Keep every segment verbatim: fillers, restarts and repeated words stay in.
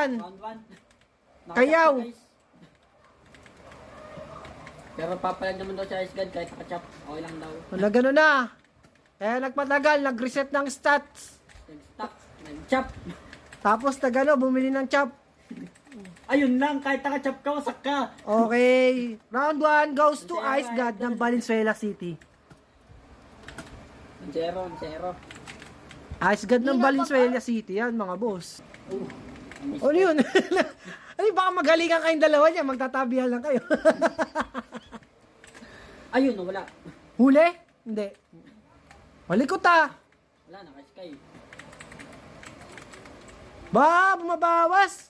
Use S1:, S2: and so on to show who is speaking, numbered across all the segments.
S1: yan.
S2: Round one.
S1: Kayaw.
S2: Pero papalag naman daw siya Ice God kahit nakachop. Okay lang daw.
S1: Wala gano'n na. Kaya nagpatagal, nag-reset ng stats.
S2: Nag-stop. Nag-chop.
S1: Tapos nagano, bumili ng chop.
S2: Ayun lang. Kahit nakachop ka, wasak ka.
S1: Okay. Round one goes to Ice God ng Valenzuela City.
S2: Zero. Zero.
S1: Ice God ng Valenzuela City yan, mga boss.
S2: Uh,
S1: Ano yun? Ay, baka magalingan kayong dalawa niya, magtatabihan lang kayo.
S2: Ayun, wala.
S1: Huli? Hindi. Malikot ah.
S2: Wala, naka-sky.
S1: Ba, bumabawas.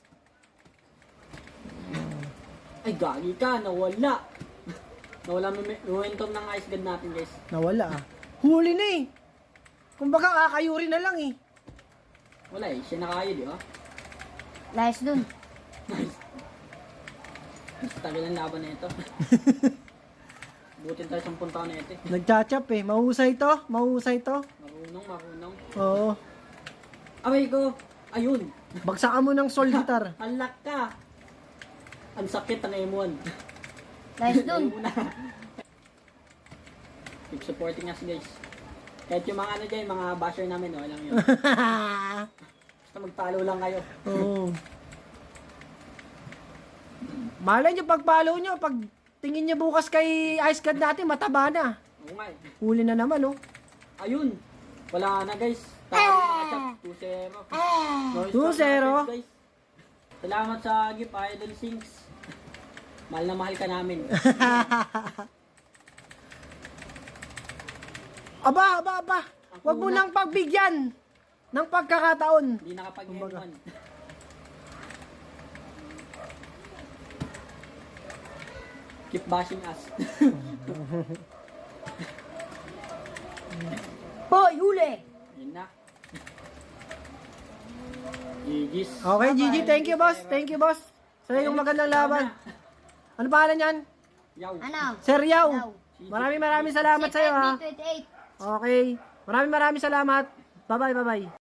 S2: Ay, gagi ka. Nawala. Nawala mo momentum ng Ice God natin, guys.
S1: Nawala ah. Huli na eh. Kumbaga kakayuri na lang eh.
S2: Wala eh. Siya nakayo, di ba?
S3: Layas dun.
S2: Nice. Tagal ang laban na ito. Butin tayo sampung taon na ito eh.
S1: Nagchachap eh. Mahusay to. Mahusay to.
S2: Marunong, marunong.
S1: Oo.
S2: Away ko. Ayun.
S1: Bagsakan mo ng soul guitar.
S2: Alak ka. Ang sakit ang M one.
S3: Layas dun.
S2: Ayun na. Keep supporting us, guys. Kahit yung mga ano dyan, mga basher namin, okay lang yun. Basta magpalo lang kayo.
S1: Oo. Malay nyo, pag follow nyo, pag tingin nyo bukas kay Ice God natin, mataba na.
S2: Oo nga eh.
S1: Huli na naman, oh.
S2: Ayun. Wala na, guys. Tawag yung mga chat. two zero. Noise
S1: two zero.
S2: chat, guys. Salamat sa gift, Idol Sinks. Mahal na mahal ka namin.
S1: Aba, aba, aba. Huwag mo nang pagbigyan ng pagkakataon.
S2: Hindi nakapag-M one. Keep bashing us.
S3: Hoy, huli!
S2: Ayun na. G G's.
S1: Okay, G G. Thank you, boss. Thank you, boss. Sa yung magandang laban. Ano pangalan yan?
S2: Yaw.
S3: Ano?
S1: Sir Yao.
S3: Yao.
S1: Maraming maraming salamat sa iyo, ha.
S3: twenty-eight.
S1: Okay. Maraming maraming salamat. Bye-bye, bye-bye.